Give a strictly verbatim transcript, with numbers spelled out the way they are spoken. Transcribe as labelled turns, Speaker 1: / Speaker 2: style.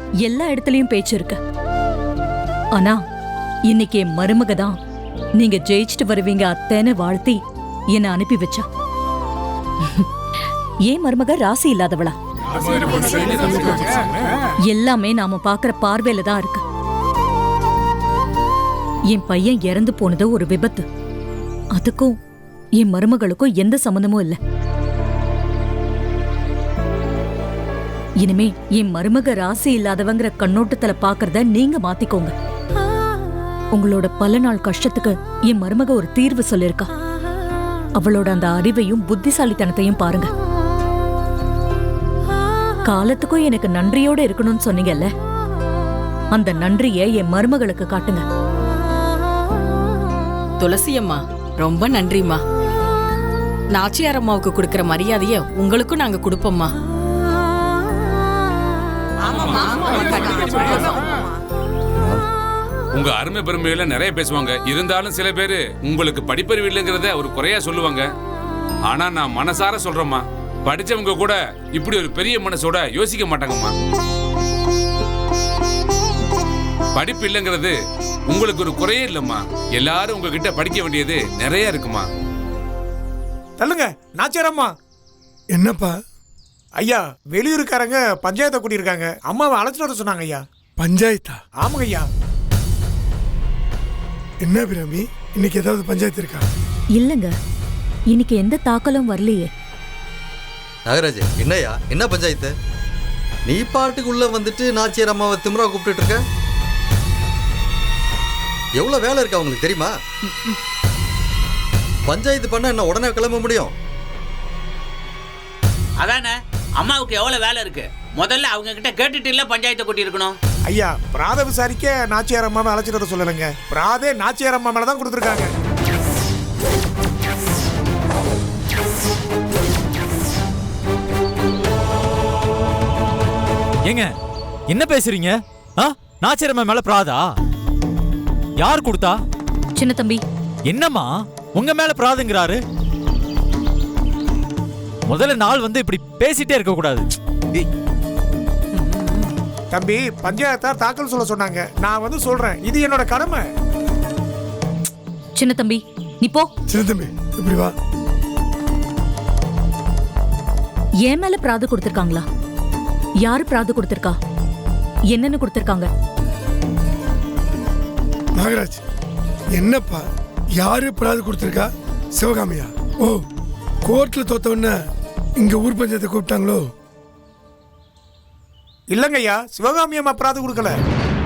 Speaker 1: எல்லா இடத்துலயும் பேச்சு இருக்கு. ஆனா இன்னைக்கு என் மருமக தான் நீங்க ஜெயிச்சுட்டு வருவீங்க அத்தைன்னு வாழ்த்தி என்ன அனுப்பி வச்சா. ஏன் மருமக ராசி இல்லாதவளா? எல்லாமே நாம பாக்குற பார்வையில தான் இருக்கு. என் பையன் இறந்து போனது ஒரு விபத்து. அதுக்கும் என் மருமகளுக்கும் எந்த சம்பந்தமும் இல்ல. இனிமே என் மருமக ராசி இல்லாதவங்கிற கண்ணோட்டத்துல பாக்குறத நீங்க மாத்திக்கோங்க. உங்களோட பல நாள் கஷ்டத்துக்கு என் மருமக ஒரு தீர்வு சொல்லிருக்கா. அவளோட அந்த அறிவையும் புத்திசாலித்தனத்தையும் பாருங்க. காலத்துக்கும் எனக்கு நன்றியோட இருக்கணும்னு சொன்னீங்கல்ல, அந்த நன்றியை என் மருமகளுக்கு காட்டுங்க.
Speaker 2: துளசி அம்மா ரொம்ப நன்றிம்மா. நாச்சியார் அம்மாவுக்கு கொடுக்கிற மரியாதைய உங்களுக்கும் நாங்க கொடுப்போம்மா.
Speaker 3: உங்க அருமை பெருமையில நிறைய பேசுவாங்க. இருந்தாலும் சில பேரு உங்களுக்கு படிப்பறிவு இல்லைங்கிறத ஒரு குறையா சொல்லுவாங்க. ஆனா நான் மனசார சொல்றேம்மா, படிச்சவங்க கூட இப்படி ஒரு பெரிய மனசோட யோசிக்க மாட்டாங்கம்மா. படிப்பு இல்லைங்கிறது உங்களுக்கு ஒரு குறையே இல்லம்மா. எல்லாரும் உங்ககிட்ட படிக்க வேண்டியது நிறைய இருக்குமா.
Speaker 4: தள்ளுங்க நாச்சியாரம்மா.
Speaker 5: என்னப்பா?
Speaker 4: ஐயா, வெளியூருக்காரங்க பஞ்சாயத்தை கூட்டியிருக்காங்க. அம்மாவை அழைச்சிட்டு வர சொன்னாங்க ஐயா.
Speaker 5: பஞ்சாயத்தா?
Speaker 4: ஆமாங்க ஐயா.
Speaker 5: என்ன பிராமி, இன்னைக்கு ஏதாவது பஞ்சாயத்து இருக்கா?
Speaker 1: இல்லங்க, இன்னைக்கு எந்த தாக்கலும் வரலையே.
Speaker 6: நாகராஜ், என்னையா என்ன பஞ்சாயத்து? நீ பாட்டுக்கு உள்ள வந்துட்டு நாச்சியார் அம்மாவை திமிரா கூப்பிட்டு இருக்க. எவ்வளவு வேலை இருக்கு அவங்களுக்கு தெரியுமா? பஞ்சாயத்து பண்ண என்ன உடனே கிளம்ப முடியும்?
Speaker 7: அதானே, அம்மாவுக்கு எவ்வளவு வேலை இருக்கு. முதல்ல அவங்க கிட்ட கேட்டுட்டு இல்ல பஞ்சாயத்தை கூட்டி இருக்கணும்.
Speaker 4: ஐயா, பிராத விசாரிக்க நாச்சியார் அம்மாவை அழைச்சிட்டு வர சொல்லலைங்க. பிராதே நாச்சியார் அம்மா மேல தான் கொடுத்துருக்காங்க.
Speaker 8: ஏங்க என்ன பேசுறீங்க? நாச்சியார் அம்மா மேல பிராதா? யார் கொடுத்தா?
Speaker 1: சின்ன தம்பி.
Speaker 8: என்னம்மா உங்க மேல பிராதுங்கிறாரு? முதல்ல நாள் வந்து இப்படி பேசிட்டே இருக்க கூடாது.
Speaker 4: தம்பி, பஞ்சாயத்தார் தாக்கல் சொல்ல சொன்னாங்க. நான் வந்து சொல்றேன், இது என்னோட கடமை.
Speaker 1: சின்ன தம்பி நீ போ.
Speaker 5: சின்ன தம்பி இப்படி வா.
Speaker 1: என் மேல பிராது கொடுத்திருக்காங்களா? யாரு பிராது கொடுத்திருக்கா? என்னன்னு கொடுத்திருக்காங்க?
Speaker 5: நாகராஜ், என்னப்பா யாரு பிராது கொடுத்திருக்கா? சிவகாமியா? ஓ, கோர்ட்ல தோத்தவன இங்க ஊர் பஞ்சாயத்தை கூப்பிட்டாங்களோ?
Speaker 4: இல்லங்க ஐயா, சிவகாமி அம்மா பிராது கொடுக்கல.